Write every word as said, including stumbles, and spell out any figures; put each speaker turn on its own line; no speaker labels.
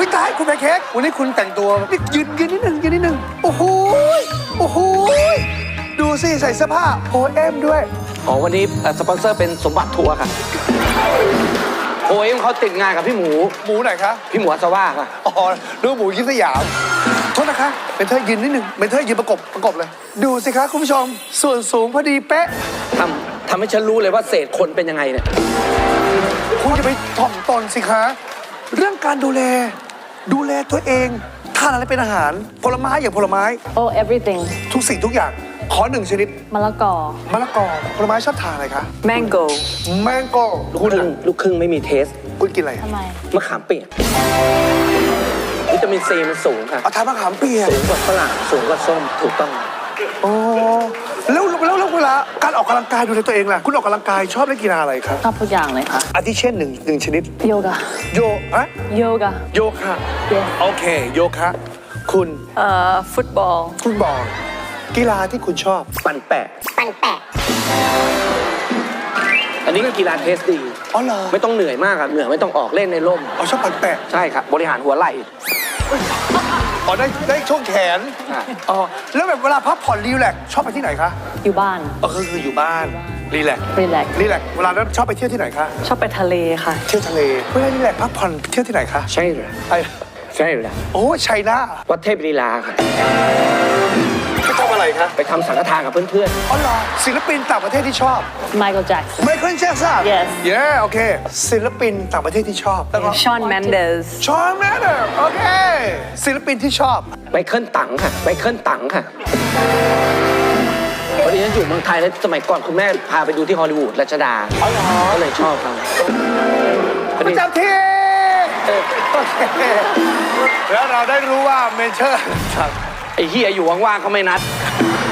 ตายคุณแพนเค้กวันนี้คุณแต่งตัวนี่ยืนยืนนิดนึงยืนนิดนึงโอ้โหโอ้โหดูสิใส่เสื้อผ้าโอเอ็มด้วย
อ๋อวันนี้สปอนเซอร์เป็นสมบัติทัวร์ค่ะโอ้ยเขาติดงานกับพี่หมู
หมูไหนคะ
พี่หมูอัศว่าค่ะ
อ๋อดูหมูยิ้มสยามโทษนะคะเป็นเธอยืนนิดนึงเป็นเธอยืนประกบประกบเลยดูสิคะคุณผู้ชมส่วนสูงพอดีเป๊ะ
ทำทำให้ฉันรู้เลยว่าเศษคนเป็นยังไงเนี่ย
คุณจะไปถ่อมตนสิคะเรื่องการดูแลดูแลตัวเองทานอะไรเป็นอาหารผลไม้อย่างผลไม้
oh everything
ทุกสิ่งทุกอย่างขอหนึ่งชนิด
มะละกอ
มะละกอผลไม้ชอบทานอะไรคะ
mango
แมงโก้
ลูกครึ่งลูกครึ่งไม่มีเทส
คุณกินอะไร
ทำไม
มะขามเปียกวิตามินซีมันสูงค่ะ
เอาทานมะขามเปียก
สูงกว่าฝรั่งสูงกว่าส้มถูกต้อง
โอ้แล้วแล้วแล้วเวลาการออกกำลังกายดูแลตัวเองล่ะคุณออกกำลังกายชอบเล่นกีฬาอะไรครับ
ชอบทุกอย่างเลยค่ะ
อาทิเช่นหนึ่งหนึ่งชนิด
โยกะ
โยอะ
โยกะ
โยคะโอเคโยคะคุณ
เอ่อฟุตบอล
ฟุตบอลกีฬาที่คุณชอบ
ปั่นแปะ
ปั่นแปะ
อันนี้ก็กีฬาเทสดี
อ๋อเหรอ
ไม่ต้องเหนื่อยมากอะเหนื่อยไม่ต้องออกเล่นในร่ม
อ๋อชอบปั่นแปะ
ใช่ครับบริหารหัวไหล่
อ๋อได้ได้ช่วงแขนอ๋อแล้วแบบเวลาพักผ่อนรีแลกชอบไปที่ไหนคะ
อยู่บ้าน
อ๋อคือคืออยู่บ้านรีแลก
รีแลก
รีแลกเวลานั้นชอบไปเที่ยวที่ไหนคะ
ชอบไปทะเลค่ะ
เที่ยวทะเลเวลารีแลกพักผ่อนเที่ยวที่ไหนคะ
ใช่เหรอ
ไอ
ใช่เหรอ
โอ้ชัยนา
วัดเทพลีลาค่ะ
ไปทำอะไรคะ
ไปทำสังฆทานกับเพื่อน
ๆอ๋อเหรอศิลปินต่างประเทศที่ชอบ
Michael Jackson
Michael Jackson
yes
yeah โอเคศิลปินต่างประเทศที่ชอบ
Shawn Mendes
Shawn Mendes โอเคศิลปินที่ชอบ
ไมเคิลตังค่ะไมเคิลตังค่ะพอดีฉันอยู่เมืองไทยแล้วสมัยก่อนคุณแม่พาไปดูที่ฮอลลีวูดรัชดาก็เลยชอบเขา
ประจำที่โอเคแล้วเราได้รู้ว่าเมเชอร์
ไอ้เฮียอยู่ว่างๆเขาไม่นัด